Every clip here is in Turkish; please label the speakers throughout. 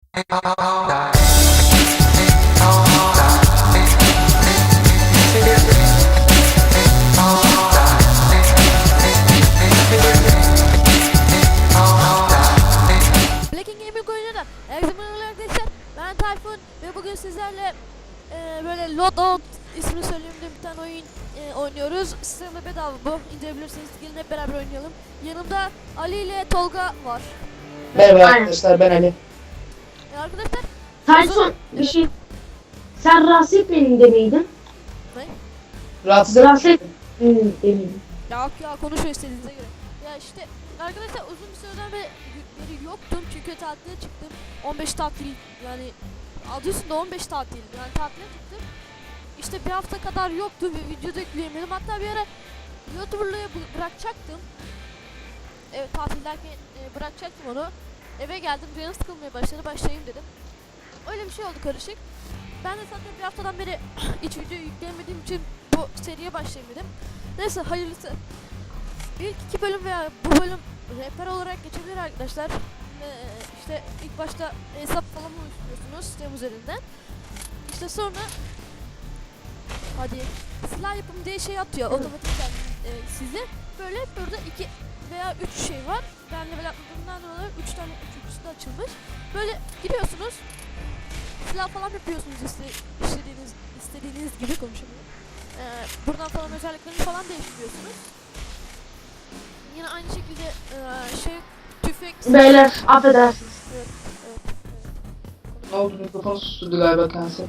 Speaker 1: Ben Tayfun ve bugün sizlerle böyle Loadout ismini söylediğimde bir tane oyun oynuyoruz. Sistemde bedava bu. İndirebilirsiniz. Gelin hep beraber oynayalım. Yanımda Ali ile Tolga var.
Speaker 2: Merhaba arkadaşlar, ben Ali.
Speaker 1: Arkadaşlar
Speaker 3: Tayfun bir şey. Sen Rasip elinde miydin?
Speaker 1: ne?
Speaker 2: Rahatsız
Speaker 3: Rasip eminim.
Speaker 1: Ya konuşuyor istediğinize göre. Ya işte arkadaşlar uzun bir süreden beri yoktum çünkü tatile çıktım. 15 tatil yani adı üstünde 15 tatil yani tatile çıktım. İşte bir hafta kadar yoktu ve video da yükleyemedim. Hatta bir ara YouTuber'lığı bırakacaktım. Evet tatildeyken bırakacaktım onu. Eve geldim canım sıkılmaya başladı, başlayayım dedim. Öyle bir şey oldu karışık. Ben de zaten bir haftadan beri hiç video yükleyemediğim için bu seriye başlayayım dedim. Neyse hayırlısı. İlk iki bölüm veya bu bölüm rehber olarak geçebilir arkadaşlar. İşte ilk başta hesap falan oluşturuyorsunuz sistem üzerinden. İşte sonra hadi silah yapım diye şey atıyor otomatikten size. Böyle burada 2 veya 3 şey var. Ben level atladığımdan dolayı 3 tane üçüncüsü de açılmış. Böyle giriyorsunuz. Silah falan yapıyorsunuz istediğiniz gibi konuşamıyorum. Buradan falan özelliklerini falan değiştiriyorsunuz. Yine aynı şekilde tüfek...
Speaker 3: Beyler affedersiniz.
Speaker 1: Evet.
Speaker 2: Ne oldu, mikrofon susturdu galiba kendisi.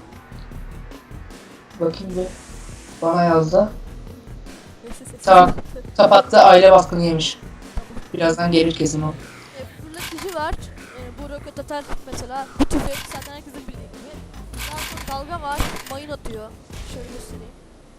Speaker 2: Bakayım bir. Bana yazdı.
Speaker 1: Neyse, ses.
Speaker 2: Tamam. Kapattı, aile baskını yemiş. Birazdan gelir kesin o.
Speaker 1: Fırlatıcı var. Bu roket atar mesela. Bu tüfek zaten herkesin bildiği gibi. Daha sonra dalga var. Mayın atıyor. Şöyle göstereyim.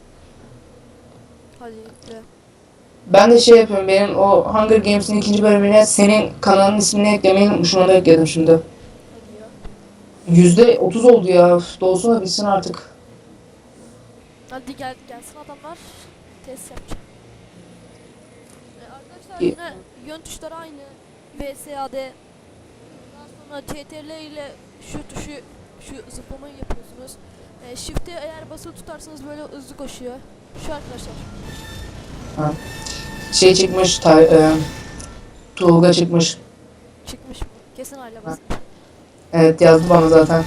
Speaker 1: Hadi be.
Speaker 2: Ben de şey yapıyorum, benim o Hunger Games'in 2. bölümüne senin kanalın ismini eklemeyi unutmuşum, onu da ekledim şimdi.
Speaker 1: Hadi ya.
Speaker 2: %30 oldu ya, dolsun da bitsin artık.
Speaker 1: Hadi gelsin adamlar. Test yapacağım. Arkadaşlar
Speaker 2: İyi.
Speaker 1: yine yön tuşları aynı. VSAD. Daha sonra CTRL ile şu zıplamayı yapıyorsunuz. Shift'e eğer basılı tutarsanız böyle hızlı koşuyor. Şu arkadaşlar.
Speaker 2: Ha. Şey çıkmış, Tuğga çıkmış.
Speaker 1: Çıkmış mı? Kesin aile basın.
Speaker 2: Evet, yazdı bana zaten.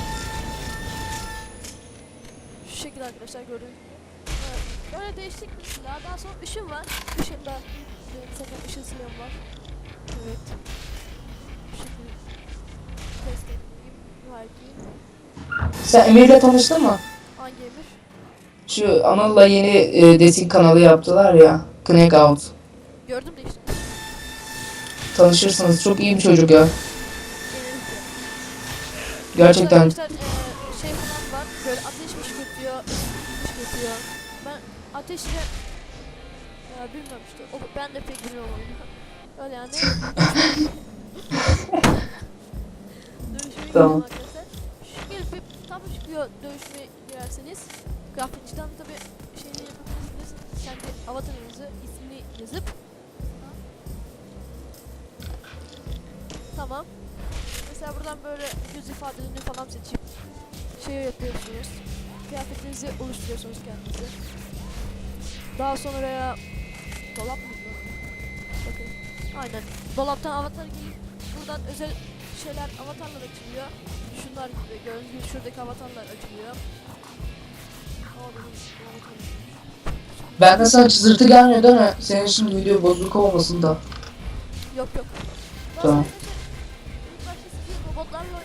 Speaker 1: Şu şekilde arkadaşlar gördüğünüz gibi. Evet, böyle değişik bir silah. Daha sonra ışın var. Işın da zaten ışın silahım var. Evet. Bu şekilde test edeyim. Belki.
Speaker 2: Sen Emir'le tanıştın mı?
Speaker 1: Hangi emir?
Speaker 2: Şu Anıl'la yeni desik kanalı yaptılar ya. Connect Out.
Speaker 1: Gördüm de işte.
Speaker 2: Tanışırsınız, çok iyi bir çocuk ya.
Speaker 1: Genellikle.
Speaker 2: Gerçekten.
Speaker 1: Arkadaşlar şey falan var. Böyle ateş fışkırtıyor. Fışkırtıyor. Ben ateşle bilmiyorum işte. Ben de pek bilmiyorum onu. Öyle yani. Dövüşmeye
Speaker 2: Tamam.
Speaker 1: gidelim arkadaşlar. Şu gelip bir tam çıkıyor dövüşmeye girerseniz. Grafikçiden tabi şeyini yapabilirsiniz. Kendi avatarınızı, ismini yazıp. Tamam. Mesela buradan böyle yüz ifadelerini falan seçip şey yapıyorsunuz. Kıyafetinizi oluşturuyorsunuz kendinize. Daha sonra dolap mı? Bakın. Aynen. Dolaptan avatar giyip buradan özel şeyler avatarlar açılıyor. Şunlar gibi gördüğünüz gibi şuradaki avatarlar açılıyor.
Speaker 2: Bende sana çızırtı gelmiyor değil mi? Senin şimdi video bozuk olmasın da.
Speaker 1: Yok.
Speaker 2: Tamam.
Speaker 1: İlk başta sizi robotlarla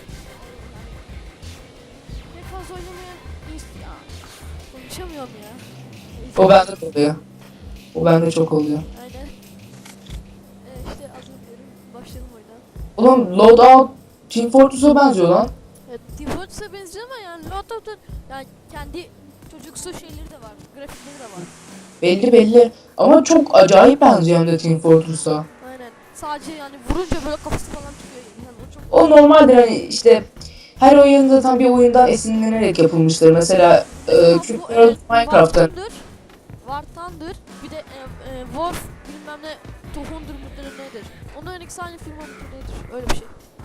Speaker 1: pek fazla oynamayan ya. Konuşamıyorum ya.
Speaker 2: O bende de oluyor. O bende çok oluyor.
Speaker 1: Aynen. İşte az önce başlayalım oyuna.
Speaker 2: Oğlum Loadout Team Fortress'a benziyor lan.
Speaker 1: Evet, Team Fortress'a benziyor ama yani Loadout'un yani kendi çocuksu şeyleri de var, grafikleri de var.
Speaker 2: Belli. Ama çok acayip benziyor hem de Team Fortress'a.
Speaker 1: Aynen. Sadece yani vurunca böyle kafası falan çıkıyor. Yani o çok...
Speaker 2: O normaldir, hani işte her oyunda tam bir oyundan esinlenerek yapılmıştır. Mesela Cube World Minecraft'ta.
Speaker 1: War Thunder, bir de Wolf bilmem ne Tohundur mudur nedir. Onların ikisi aynı firma mudur nedir? Öyle bir şey.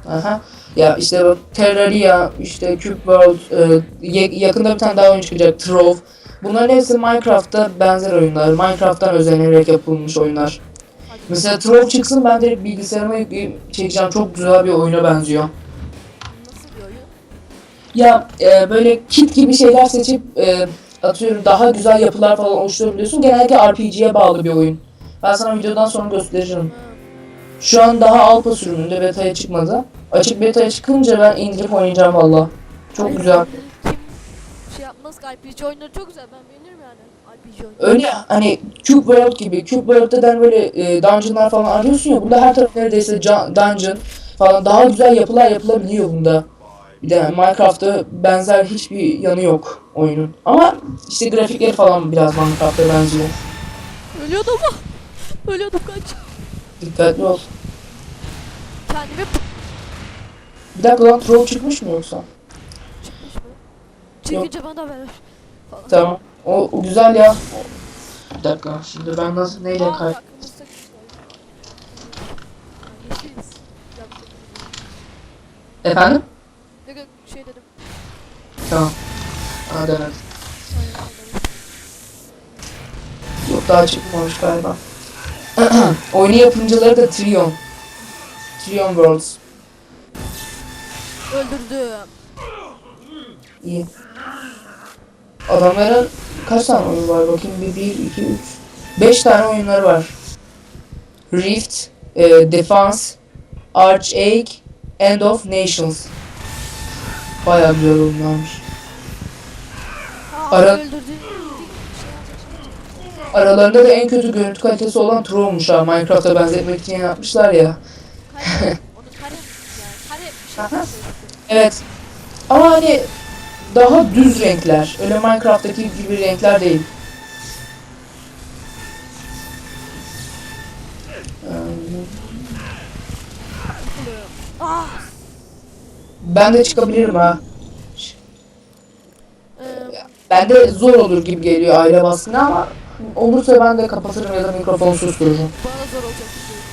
Speaker 2: Aha. Ya işte bak, Terraria, işte Cube World, yakında bir tane daha oyun çıkacak, Trove. Bunların hepsi Minecraft'ta benzer oyunlar. Minecraft'tan özenerek yapılmış oyunlar.
Speaker 1: Hadi.
Speaker 2: Mesela Trove çıksın, ben direkt bilgisayarıma yükleyip çekeceğim. Çok güzel bir oyuna benziyor.
Speaker 1: Nasıl bir oyun?
Speaker 2: Ya böyle kit gibi şeyler seçip atıyorum daha güzel yapılar falan oluşturabiliyorsun. Genellikle RPG'ye bağlı bir oyun. Ben sana videodan sonra gösteririm.
Speaker 1: Ha.
Speaker 2: Şu an daha alfa sürümünde, beta'ya çıkmadı. Açık beta'ya çıkınca ben indirip oynayacağım valla. Çok
Speaker 1: Hayır,
Speaker 2: güzel.
Speaker 1: Kim şey yapmaz ki RPG oyunları çok güzel. Ben beğenirim yani RPG oyunları.
Speaker 2: Öyle hani Cube World gibi. Cube World'den böyle dungeonlar falan arıyorsun ya. Bunda her taraf neredeyse dungeon falan, daha güzel yapılar yapılabiliyor bunda. Bir de Minecraft'ta benzer hiçbir yanı yok oyunun. Ama işte grafikleri falan biraz Minecraft'a benziyor.
Speaker 1: Ölüyordum mu? Ölüyordum kaç.
Speaker 2: Dikkatli ol.
Speaker 1: Kendimi
Speaker 2: Bir dakika lan, troll çıkmış mı yoksa?
Speaker 1: çıkmış mı? Çıkınca bana ver. Falan.
Speaker 2: Tamam. O güzel ya. Bir dakika, şimdi ben nasıl neyle
Speaker 1: Aa,
Speaker 2: kay...
Speaker 1: bak, kırmızı takım var. Yeşiliz. Yaptık.
Speaker 2: Efendim?
Speaker 1: Ne şey dedim.
Speaker 2: Tamam. Hadi evet.
Speaker 1: Aynen, aynen.
Speaker 2: Yok, daha çıkmamış galiba. Oyunu yapımcıları da Trion. Trion Worlds.
Speaker 1: Öldürdüm.
Speaker 2: İyi. Adamların kaç tane oyun var bakayım? 1, 2, 3. 5 tane oyunları var. Rift, Defense, Archage, End of Nations. Bayağı güzel oyunlarmış.
Speaker 1: Ha,
Speaker 2: Ara-
Speaker 1: öldürdüm. Şey yapacak.
Speaker 2: Aralarında da en kötü görüntü kalitesi olan Troll'muş ha. Minecraft'a benzetmek için yapmışlar ya.
Speaker 1: Kare. Onu kare mi? Yani kare bir şey yapıyor.
Speaker 2: Evet. Ama hani daha düz renkler. Öyle Minecraft'taki gibi renkler değil.
Speaker 1: Ah.
Speaker 2: Ben de çıkabilirim ha.
Speaker 1: Eee,
Speaker 2: Ben de zor olur gibi geliyor aile baskını, ama olursa ben de kapatırım ya da mikrofonu sustururum.
Speaker 1: bana zor olacak bir şey.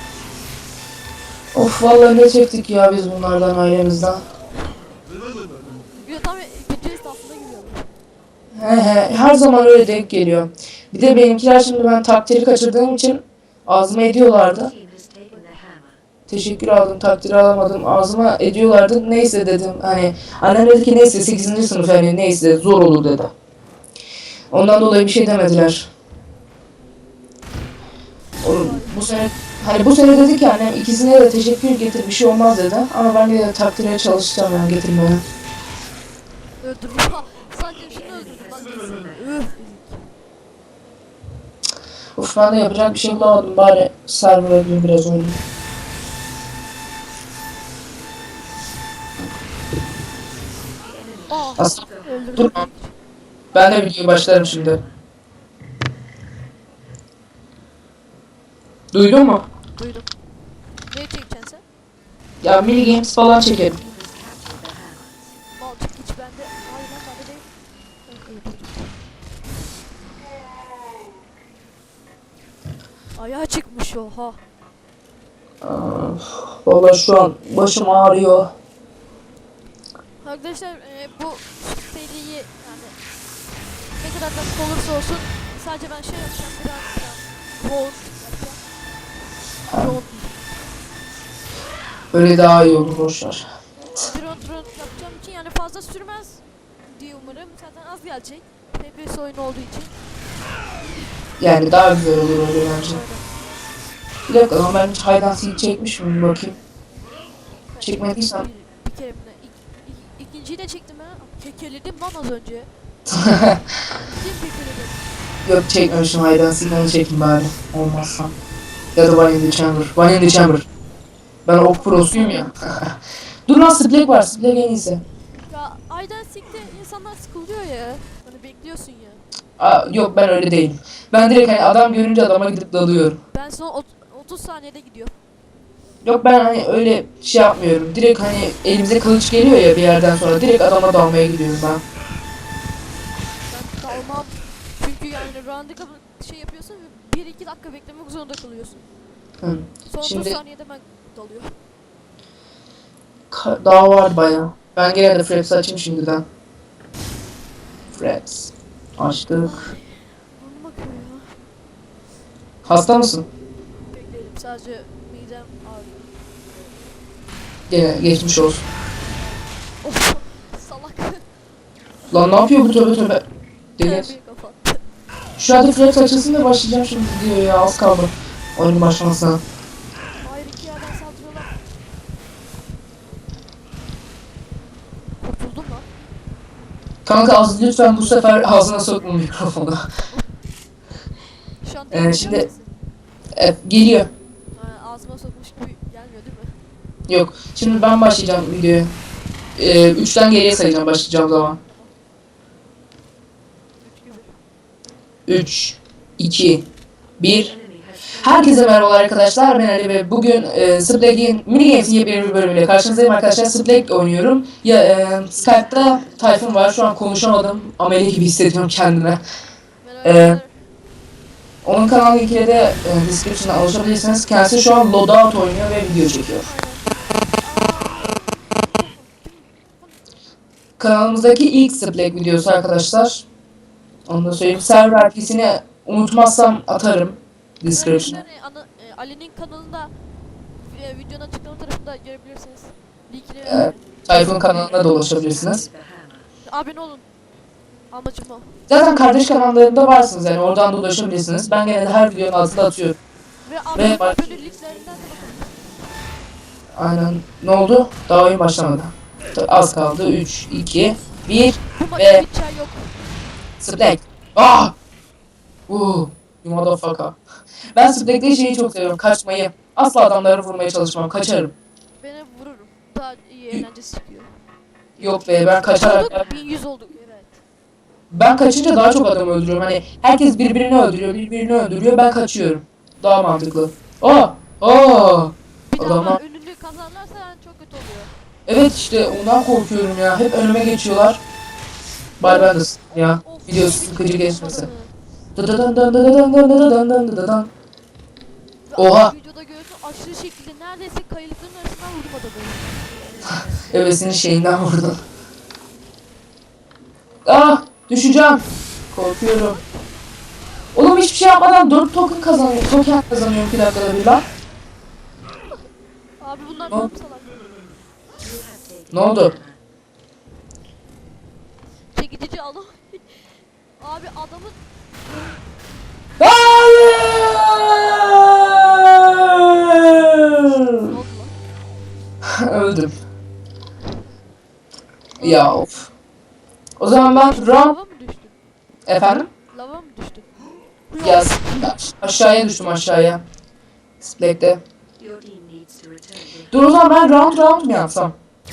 Speaker 2: Of, vallahi ne çektik ya biz bunlardan, ailemizden.
Speaker 1: Bir de tam ikinci esnafına giriyorum.
Speaker 2: Her zaman öyle denk geliyor. Bir de benimkiler, şimdi ben takdiri kaçırdığım için ağzıma ediyorlardı. Teşekkür aldım, takdiri alamadım. Ağzıma ediyorlardı. Neyse dedim. Hani annem dedi ki neyse 8. sınıf, hani neyse zor olur dedi. Ondan dolayı bir şey demediler. Oğlum, bu sene hani bu sene dedi ki annem, ikisine de teşekkür getir, bir şey olmaz dedi. Ama ben de takdire çalışacağım yani, getirmeye.
Speaker 1: Öldürdüm. Ha, sadece şunu öldürdüm. Lan neyse.
Speaker 2: Of, ben de yapacak bir şey bulamadım, bari server'a bir biraz oynayayım.
Speaker 1: Aa,
Speaker 2: Aslında
Speaker 1: öldürdüm.
Speaker 2: dur, ben de videoya başlarım şimdi. Duydun mu?
Speaker 1: Duydum. Ne çekeceksin sen?
Speaker 2: Ya mini games falan çekelim.
Speaker 1: Balçık hiç bende. Hayır lan bende değil. Ben öldürdüm. Ayağa çıkmış oha.
Speaker 2: Vallahi şu an başım ağrıyor.
Speaker 1: Arkadaşlar bu seriyi yani ne kadar da olursa olsun sadece ben şey yapacağım biraz road yapacağım. Road.
Speaker 2: Öyle daha iyi olur, boşver.
Speaker 1: Drone yapacağım için yani fazla sürmez diye umarım. Zaten az gelecek. FPS oyunu olduğu için.
Speaker 2: Yani daha güzel olur öyle bence.
Speaker 1: Öyle.
Speaker 2: Bir dakika, ama ben hiç hide and seek çekmiş miyim bakayım. Çekmediysem.
Speaker 1: Bir kere mi ne? İkinciyi de çektim ha. Kekeledim lan az önce. Kim kekeledim?
Speaker 2: Yok, çekmemişim hide and seek, onu çekeyim bari. Olmazsa. Ya da One in the Chamber. One in the Chamber. Ben ok prosuyum ya. Dur lan, Splake var. Splake en iyisi.
Speaker 1: Ya Aydan Sik'te insanlar sıkılıyor ya. Hani bekliyorsun ya.
Speaker 2: Yok, ben öyle değilim. Ben direkt hani adam görünce adama gidip dalıyorum.
Speaker 1: Ben son 30 saniyede gidiyor.
Speaker 2: Yok, ben hani öyle şey yapmıyorum. Direkt hani elimize kılıç geliyor ya bir yerden sonra, direkt adama dalmaya gidiyorum ben.
Speaker 1: Ben dalmam. Çünkü yani round'a şey yapıyorsun ve 1-2 dakika beklemek zorunda kalıyorsun.
Speaker 2: Hı.
Speaker 1: Son
Speaker 2: Şimdi-
Speaker 1: 30 saniyede ben dalıyor.
Speaker 2: daha var baya. Ben gene de Fraps açayım şimdiden. Fraps. Açtık.
Speaker 1: Burnum akıyor ya.
Speaker 2: Hasta mısın?
Speaker 1: Bekleyelim, sadece midem ağrıyor.
Speaker 2: Gene geçmiş olsun.
Speaker 1: Of, salak.
Speaker 2: Lan ne yapıyor bu, tövbe tövbe. Deli.
Speaker 1: Terbiye kapattı.
Speaker 2: Şu anda Fraps açılsın da başlayacağım şimdi diyor ya, az kaldı. Oyunun başlamasına.
Speaker 1: Hayır, iki yerden saldırıyorlar. Kurtuldum lan.
Speaker 2: Kanka az lütfen bu sefer ağzına sokma mikrofonu.
Speaker 1: Şu an
Speaker 2: Şimdi-
Speaker 1: duyuyor musun?
Speaker 2: Geliyor.
Speaker 1: Ha, ağzıma sokmuş gibi gelmiyor değil mi?
Speaker 2: Yok. Şimdi ben başlayacağım videoya. 3'ten geriye sayacağım başlayacağım zaman.
Speaker 1: 3 gibi.
Speaker 2: 3, 2, 1. Herkese merhaba arkadaşlar, ben Ali ve bugün Splag'in mini games'in yepyeni bir bölümüyle karşınızdayım arkadaşlar. Splag oynuyorum. Skype'da Tayfun var, şu an konuşamadım. Ameli gibi hissediyorum kendime.
Speaker 1: Merhaba.
Speaker 2: Onun kanal linkine de description'a ulaşabilirsiniz. Kendisi şu an Loadout oynuyor ve video çekiyor. Kanalımızdaki ilk Splag videosu arkadaşlar. Onu da söyleyeyim. Server IP'sini unutmazsam atarım description'a.
Speaker 1: Ali'nin kanalında videonun açıklama tarafında görebilirsiniz. Linkini
Speaker 2: Tayfun kanalına da ulaşabilirsiniz.
Speaker 1: abone olun. Amacım o.
Speaker 2: Zaten kardeş kanallarında varsınız, yani oradan da ulaşabilirsiniz. Ben genelde her videonun altına atıyorum.
Speaker 1: Ve
Speaker 2: Ve bak-
Speaker 1: aboneliklerinden de bakın.
Speaker 2: Aynen. Ne oldu? Daha oyun başlamadı. Az kaldı. 3, 2, 1.
Speaker 1: Bu
Speaker 2: Ve-
Speaker 1: maçta hiç çay yok.
Speaker 2: Splag. Ah! You motherfucker. Ben Splag'de şeyi çok seviyorum. Kaçmayı. Asla adamları vurmaya çalışmam. Kaçarım.
Speaker 1: Beni vururum. Daha iyi eğlencesi çıkıyor.
Speaker 2: Yok be, ben kaçarak...
Speaker 1: Olduk, 1100 olduk. Evet.
Speaker 2: Ben kaçınca daha çok adam öldürüyorum. Hani herkes birbirini öldürüyor. Ben kaçıyorum. Daha mantıklı. Oh! Oh!
Speaker 1: Bir daha
Speaker 2: Adamlar-
Speaker 1: önünü kazarlarsa yani çok kötü oluyor.
Speaker 2: Evet işte ondan korkuyorum ya. Hep önüme geçiyorlar. Bari ben de ya.
Speaker 1: Of,
Speaker 2: Video
Speaker 1: bir
Speaker 2: sıkıcı
Speaker 1: şey
Speaker 2: geçmesin.
Speaker 1: yapmadı.
Speaker 2: Dıdıdan dıdıdan dıdıdan dıdıdan dıdıdan dıdıdan.
Speaker 1: Ve
Speaker 2: Oha.
Speaker 1: abi videoda görüyorsun, aşırı şekilde neredeyse kayalıkların arasından vurdum adamı.
Speaker 2: Evesinin şeyinden vurdum. Ah! Düşeceğim. Korkuyorum. Oğlum hiçbir şey yapmadan 4 token kazanıyorum. Token kazanıyorum 2 dakikada bir lan.
Speaker 1: Abi bunlar
Speaker 2: Ne
Speaker 1: ne
Speaker 2: oldu?
Speaker 1: yapsalar?
Speaker 2: Ne oldu?
Speaker 1: Çekici adam. Abi adamın
Speaker 2: Hayır!
Speaker 1: ne oldu lan?
Speaker 2: Öldüm. Ya of. O zaman ben
Speaker 1: Lava
Speaker 2: round...
Speaker 1: mı düştün?
Speaker 2: Efendim?
Speaker 1: Lava mı düştün?
Speaker 2: Ya aşağıya düştüm aşağıya. Splag'de. Dur o zaman ben round mu yapsam?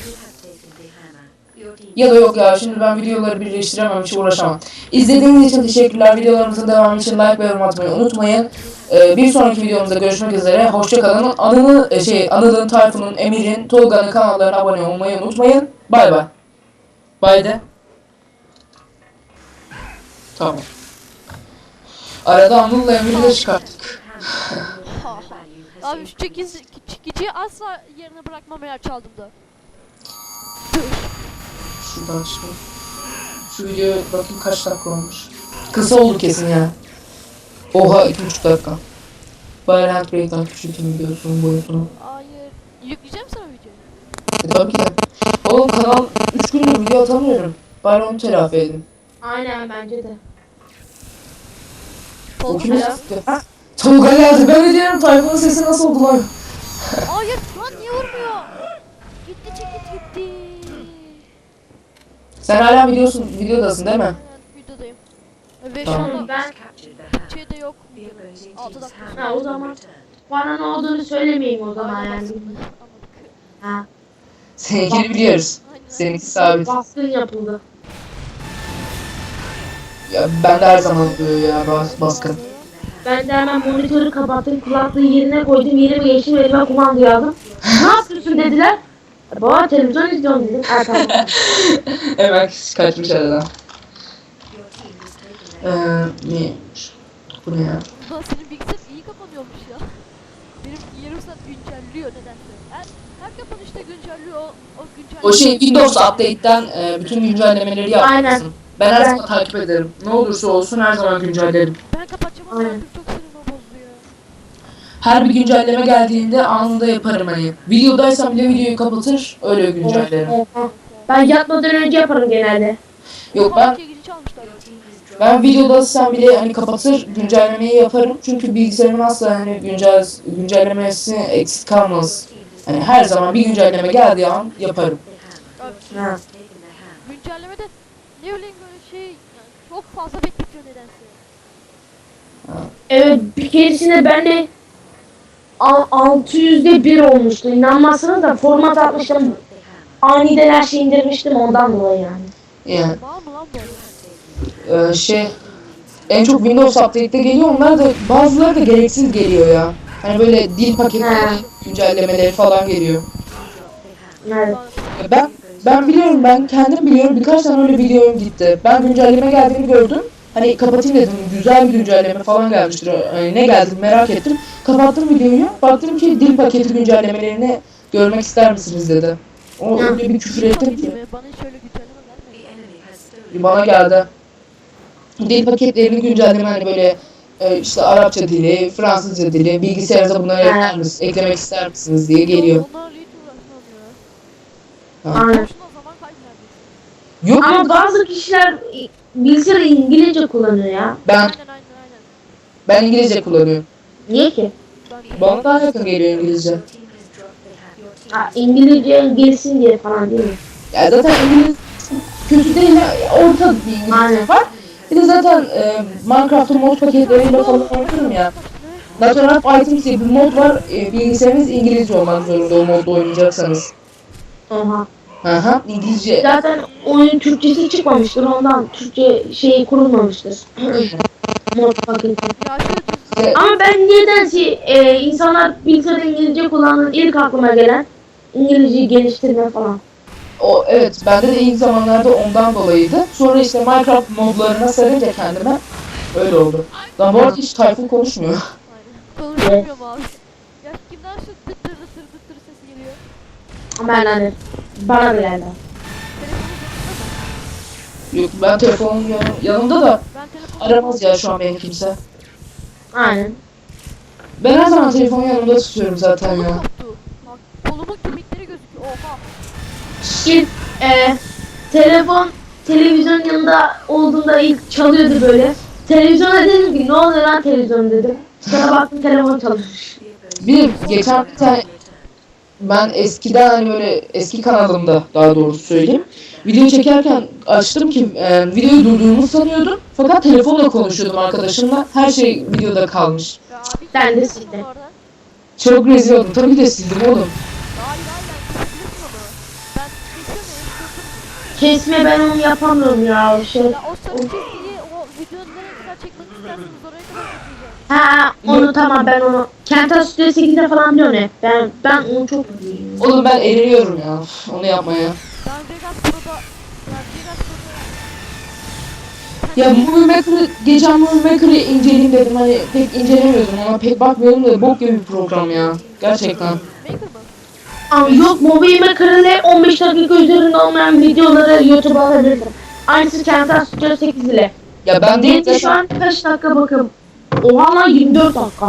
Speaker 2: Ya da yok ya, şimdi ben videoları birleştiremem, hiç uğraşamam. İzlediğiniz için teşekkürler. Videolarımızın devamı için like ve yorum atmayı unutmayın. Bir sonraki videomuzda görüşmek üzere. Hoşça kalın. Anıl'ın, Tayfun'un, Emir'in, Tolga'nın kanallarına abone olmayı unutmayın. Bay bay. Bay de. Tamam. Arada Anıl'la Emir'i de çıkarttık.
Speaker 1: Abi şu çekiciyi asla yerine bırakmam eğer çaldığımda.
Speaker 2: Şuradan çıkalım. Şu videoya bakayım kaç dakika olmuş. Kısa oldu kesin ya. Oha 2,5 dakika. Bari Handbrake'den küçültüm videosunun boyutunu.
Speaker 1: Hayır. Yükleyeceğim sana videoyu.
Speaker 2: Tabii ki de. Oğlum kanal 3 gündür video atamıyorum. Bari onu telafi edin.
Speaker 3: Aynen bence de.
Speaker 2: O
Speaker 1: Tolga
Speaker 2: kimi
Speaker 1: ya.
Speaker 2: sıktı? Tolga geldi. Ben de diyorum Tayfun'un sesi nasıl oldu lan?
Speaker 1: Hayır lan, niye vurmuyor? Gitti, çekiç gitti.
Speaker 2: Sen hala videodasın değil mi?
Speaker 1: Aynen, videodayım. Ve şu
Speaker 2: Tamam.
Speaker 1: anda
Speaker 3: Ben
Speaker 1: şey de yok. 6 dakika.
Speaker 3: ha, o zaman bana ne olduğunu söylemeyeyim o zaman
Speaker 1: Aynen,
Speaker 3: yani.
Speaker 1: anladık.
Speaker 3: Ha.
Speaker 2: Seninkini biliyoruz.
Speaker 1: Aynen.
Speaker 2: Seninki sabit.
Speaker 3: Baskın yapıldı.
Speaker 2: Ya ben de her zaman oluyor ya baskın.
Speaker 3: Ben de hemen monitörü kapattım, kulaklığı yerine koydum, yerime geçtim, elime kumandayı aldım. Ne yapıyorsun dediler. Baba televizyon izliyorum dedim. Tamam.
Speaker 2: Hemen kaçmış aradan. Neymiş? Bu ne ya?
Speaker 1: Ulan senin bilgisayar iyi kapanıyormuş ya. Benim yarım saat güncelliyor nedense. Her kapanışta güncelliyor o güncelleme.
Speaker 2: O şey Windows Update'ten bütün güncellemeleri yapmışsın.
Speaker 3: Aynen.
Speaker 2: Ben her zaman takip ederim. Ne olursa olsun her zaman güncellerim.
Speaker 1: Ben kapatacağım ama
Speaker 3: Aynen.
Speaker 1: artık çok sinirimi bozdu ya.
Speaker 2: Her bir güncelleme geldiğinde anında yaparım hani. Videodaysam bile videoyu kapatır, öyle güncellerim.
Speaker 3: Oha. Ben yatmadan önce yaparım genelde.
Speaker 2: Yok ben
Speaker 1: Ikiye giriş almışlar.
Speaker 2: videodaysam bile hani kapatır, güncellemeyi yaparım. Çünkü bilgisayarımın asla hani güncellemesi eksik kalmaz. Hani her zaman bir güncelleme geldiği an yaparım.
Speaker 1: Abi,
Speaker 3: Ha.
Speaker 1: güncellemede ne bileyim böyle şey yani çok fazla bekletiyor nedense.
Speaker 3: Evet, bir keresinde ben de 600'de 1 olmuştu. İnanmazsınız da format atmıştım. Aniden her şeyi indirmiştim ondan dolayı yani.
Speaker 2: Yani
Speaker 1: Var mı lan böyle?
Speaker 2: en çok Windows Update'te geliyor. Onlar da bazıları da gereksiz geliyor ya. Hani böyle dil paketleri,
Speaker 3: He.
Speaker 2: güncellemeleri falan geliyor.
Speaker 3: Evet.
Speaker 2: Ben biliyorum, ben kendim biliyorum, birkaç tane öyle videom gitti. Ben güncelleme geldiğini gördüm. Hani kapatayım dedim, güzel bir güncelleme falan gelmiştir. Hani ne geldi merak ettim. Kapattım videoyu, baktım ki dil paketi güncellemelerini görmek ister misiniz dedi. O öyle bir küfür ettim ki.
Speaker 1: Bana hiç öyle güncelleme gelmedi.
Speaker 2: Bana geldi. Dil paketlerini güncelleme hani böyle işte Arapça dili, Fransızca dili, bilgisayarınıza bunları eklemek ister misiniz diye geliyor.
Speaker 1: Onlarla hiç uğraşmam ya.
Speaker 2: Ha.
Speaker 3: Aynen.
Speaker 1: Boşuna zaman kaybederdik.
Speaker 2: Yok
Speaker 3: Ama bazı kişiler bilgisayarı İngilizce kullanıyor ya.
Speaker 2: ben
Speaker 1: Aynen.
Speaker 2: ben İngilizce kullanıyorum.
Speaker 3: Niye ki?
Speaker 1: Ben
Speaker 2: Bana daha yakın geliyor İngilizce.
Speaker 3: Ha, İngilizce gelsin diye falan değil mi?
Speaker 2: Ya zaten İngiliz kötü değil, orta bir İngilizce
Speaker 3: Aynen.
Speaker 2: var. Bir de zaten Minecraft'ın mod paketleriyle falan oynuyorum ya. Natural Items diye bir mod var. Bilgisayarınız İngilizce olmak zorunda o modda oynayacaksanız.
Speaker 3: Oha.
Speaker 2: Aha, İngilizce.
Speaker 3: Zaten oyun Türkçesi çıkmamıştır ondan Türkçe şeyi kurulmamıştır. Mod paketi.
Speaker 1: ya şu
Speaker 3: Ama ben nedense insanlar bilgisayarda İngilizce kullanan ilk aklıma gelen İngilizceyi geliştirme falan.
Speaker 2: O evet, bende de ilk zamanlarda ondan dolayıydı. Sonra işte Minecraft modlarına sarınca kendime öyle oldu. Lan bu arada hiç Tayfun konuşmuyor.
Speaker 1: aynen. Konuşmuyorum abi. Ya kimden şu dıt dır sesi geliyor?
Speaker 3: Ben hani bana da geldi.
Speaker 1: Telefonun yanında mı?
Speaker 2: Yok, ben telefonum yanımda da
Speaker 1: Ben telefonu
Speaker 2: aramaz ya şu an beni kimse.
Speaker 3: Aynen.
Speaker 2: Ben her zaman telefonu yanımda tutuyorum zaten
Speaker 1: Kolum
Speaker 2: ya.
Speaker 1: koptu. Bak kolumun kemikleri gözüküyor. Oha.
Speaker 3: İlk televizyon yanında olduğunda ilk çalıyordu böyle. Televizyona dedim ki ne oluyor lan televizyon dedim. Sonra baktım telefon çalışmış.
Speaker 2: Bir geçen bir tane ben eskiden hani böyle eski kanalımda daha doğrusu söyleyeyim. Video çekerken açtım ki videoyu durduğumu sanıyordum. Fakat telefonla konuşuyordum arkadaşımla. Her şey videoda kalmış.
Speaker 1: Ya abi
Speaker 3: Ben de
Speaker 1: sildim
Speaker 3: sildim.
Speaker 1: onu oradan.
Speaker 2: Çok rezil oldum. Tabii de sildim oğlum.
Speaker 1: Hayır kesebilirsin onu. Ben kesiyorum ya.
Speaker 3: Kesme ben onu yapamıyorum ya o şey.
Speaker 1: Ya o sarı çizgiyi o videonun nereye kadar çekmek isterseniz oraya kadar çekeceğim.
Speaker 3: Ha onu tamam ben onu. Kenta Studio 8'de falan biliyorum hep. Ben onu çok biliyorum.
Speaker 2: Oğlum ben eriliyorum ya. Onu yapmaya.
Speaker 1: Ben Vegas Pro'da ya Vegas Pro'da
Speaker 2: Ya Movie Maker'ı, geçen Movie Maker'ı inceleyeyim dedim. Hani pek incelemiyordum ama pek bakmıyordum da bok gibi bir program ya. Gerçekten.
Speaker 1: Maker mı?
Speaker 3: Ama yok Movie Maker'le 15 dakika üzerinde olmayan videoları YouTube'a atabilirsin. Aynısı Kenta Studio 8 ile.
Speaker 2: Ya ben de
Speaker 3: Benim de şu an kaç dakika bakın. Oha lan 24 dakika.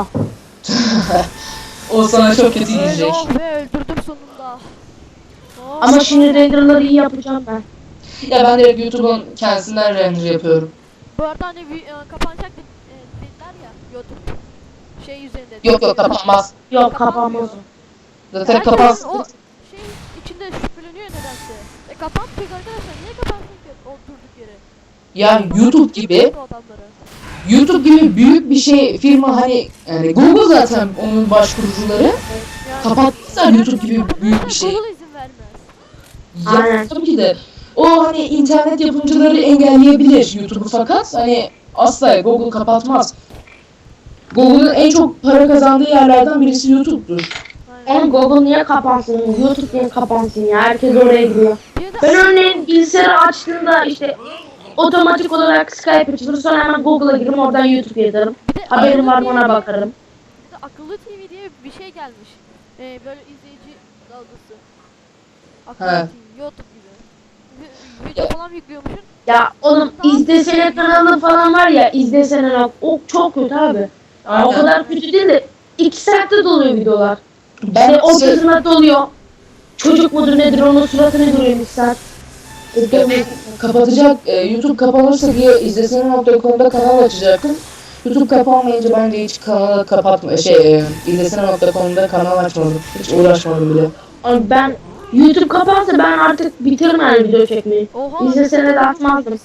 Speaker 2: o sana çok kötü
Speaker 1: Öyle
Speaker 2: gidecek.
Speaker 1: oh be öldürdüm sonunda. Oh,
Speaker 3: Ama şimdi renderları iyi yapacağım ben.
Speaker 2: Ya ben direkt YouTube'un kendisinden render yapıyorum.
Speaker 1: Bu arada hani kapanacak dediler ya YouTube. Şey üzerinde.
Speaker 2: Yok kapanmaz.
Speaker 3: Yok kapanmaz o.
Speaker 2: Zaten
Speaker 1: Herkes
Speaker 2: kapansın.
Speaker 1: o şey içinde şüpheleniyor nedense. Kapanmayacak arkadaşlar. Niye kapansın ki o durduk yere?
Speaker 2: Yani YouTube gibi
Speaker 1: Bu adamları.
Speaker 2: YouTube gibi büyük bir şey firma hani yani Google zaten onun başkurucuları
Speaker 1: Yani,
Speaker 2: kapatmışlar YouTube gibi büyük bir şey.
Speaker 1: Google izin vermez.
Speaker 2: Ya
Speaker 3: Aynen.
Speaker 2: tabii ki de o hani internet yapımcıları engelleyebilir YouTube'u fakat hani asla Google kapatmaz. Google'ın en çok para kazandığı yerlerden birisi YouTube'dur.
Speaker 1: Aynen.
Speaker 3: Oğlum Google niye kapansın? YouTube niye kapansın ya? Herkes oraya gidiyor.
Speaker 1: Bir de
Speaker 3: Ben örneğin bilgisayarı açtığımda işte otomatik olarak Skype açılır sonra hemen Google'a girerim oradan YouTube yazarım.
Speaker 1: bir de
Speaker 3: Haberim var
Speaker 1: akıllı
Speaker 3: ona
Speaker 1: TV
Speaker 3: bakarım.
Speaker 1: Bir de akıllı TV diye bir şey gelmiş. Böyle izleyici dalgası. Aktivity, YouTube gibi. Video falan yüklüyormuşsun.
Speaker 3: Ya oğlum izlesene kanalı falan var ya, izlesene bak, o çok kötü abi. Ya, o
Speaker 2: Aynen.
Speaker 3: kadar kötü değil de 2 saatte doluyor videolar.
Speaker 2: Ben
Speaker 3: İşte ortasında doluyor. Çocuk mudur nedir onun suratını görüyorum 2 saat.
Speaker 2: kapatacak YouTube kapanırsa diye izlesene.com'da kanal açacaktım. YouTube kapanmayınca ben de hiç kanalı izlesene.com'da kanal açmadım. Hiç uğraşmadım bile.
Speaker 3: Abi ben YouTube kapansa ben artık bitiririm yani video çekmeyi.
Speaker 1: Oha.
Speaker 3: İzlesene de atmazdım.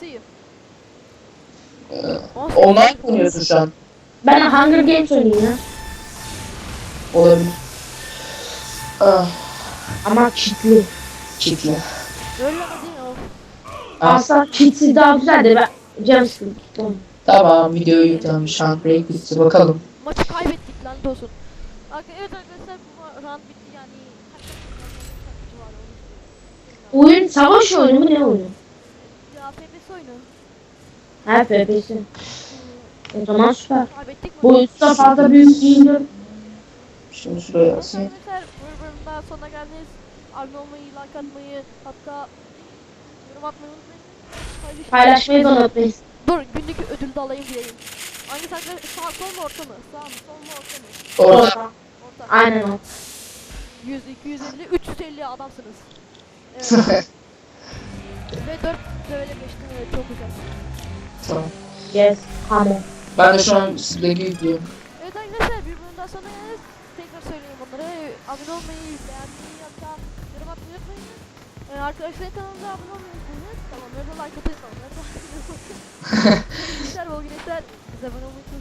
Speaker 2: Online oynuyorsun şu an.
Speaker 3: Ben Hunger Games oynayayım ya.
Speaker 2: Olabilir. Ah,
Speaker 3: Ama kitli.
Speaker 2: kitli.
Speaker 1: Öyle ama değil o.
Speaker 2: Ah,
Speaker 3: Aslında kitsiz daha güzel de ben canım sıkıldı. Tamam.
Speaker 2: tamam videoyu yüklenmiş. Handbrake bitti bakalım.
Speaker 1: Maçı kaybettik lanet olsun. Evet arkadaşlar bu round bitti yani. Kaç var onu
Speaker 3: Oyun savaş oyunu mu ne oyunu?
Speaker 1: ya FPS oyunu.
Speaker 3: Ha FPS. O zaman süper.
Speaker 1: Kaybettik mi?
Speaker 3: Boyutu da fazla büyük değildir.
Speaker 2: Şimdi şuraya asayım.
Speaker 1: Arkadaşlar bu bölümün daha sonuna geldiniz. Abone olmayı, like atmayı, hatta yorum atmayı unutmayın.
Speaker 3: Paylaşmayı da unutmayın.
Speaker 1: Dur günlük ödül de alayım diyeyim. Hangisi arkadaşlar? Sağ sol mu orta mı? Sağ mı sol mu orta mı?
Speaker 2: Orada.
Speaker 1: Orta.
Speaker 3: Aynen o.
Speaker 1: 100, 250, 350 adamsınız. Evet. Ve 4 böyle geçtim evet çok güzel.
Speaker 2: Tamam.
Speaker 3: Yes. Tamam.
Speaker 2: Ben de şu an Slack'i yüklüyorum.
Speaker 1: Evet arkadaşlar bir bölüm daha sonra geliriz. Tekrar söyleyeyim onlara. Abone olmayı, beğenmeyi hatta yorum atmayı unutmayın. Arkadaşlar kanalımıza abone olmayı unutmayın. Tamam, onları da like atın. Onları da like atın. Güzel bol güneşler. Bize abone olmayı unutmayın.